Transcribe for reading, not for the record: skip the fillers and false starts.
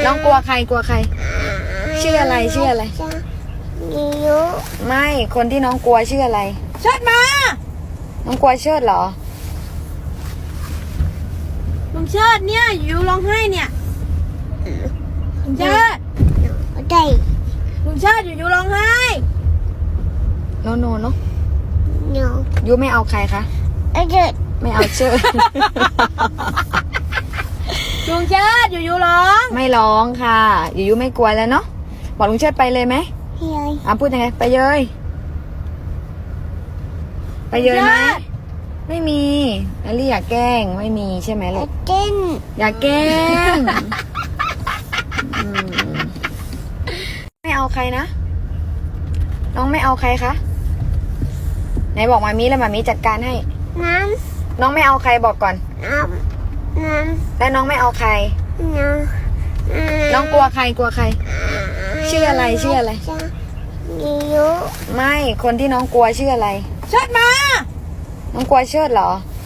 น้องกลัวใครกลัวใครชื่ออะไรชื่ออะไรมียุไม่คนที่น้องกลัวชื่ออะไรเชิดมาน้องกลัวเชิดเหรอลุงเชิดเนี่ยอยู่ร้องไห้เนี่ยลุงเชิดได้ลุงเชิดอยู่ร้องไห้โนโนเนาะหนูยูไม่เอาใครคะเด็ดไม่เอาเชิดลุงเชิดอยู่ร้องไม่ร้องค่ะยูไม่กลัวแล้วเนาะบอกลุงเชิดไปเลยไหมเฮ้ยพูดยังไงไปเยยไปเยยไหมไม่มีแอลลี่อยากแกล้งไม่มีใช่ไหมลูกเต้นอยากแกล้งไม่เอาใครนะน้องไม่เอาใครคะไหนบอกมามีแล้วมามีจัดการให้น้น้องไม่เอาใครบอกก่อนำน้ำแล้วน้องไม่เอาใคร น้องกลัวใครกลัวใคร ชื่ออะไรชื่ออะไรมียุไม่คนที่น้องกลัวชื่ออะไรเชิดมาน้องกลัวเชิดเหรอเ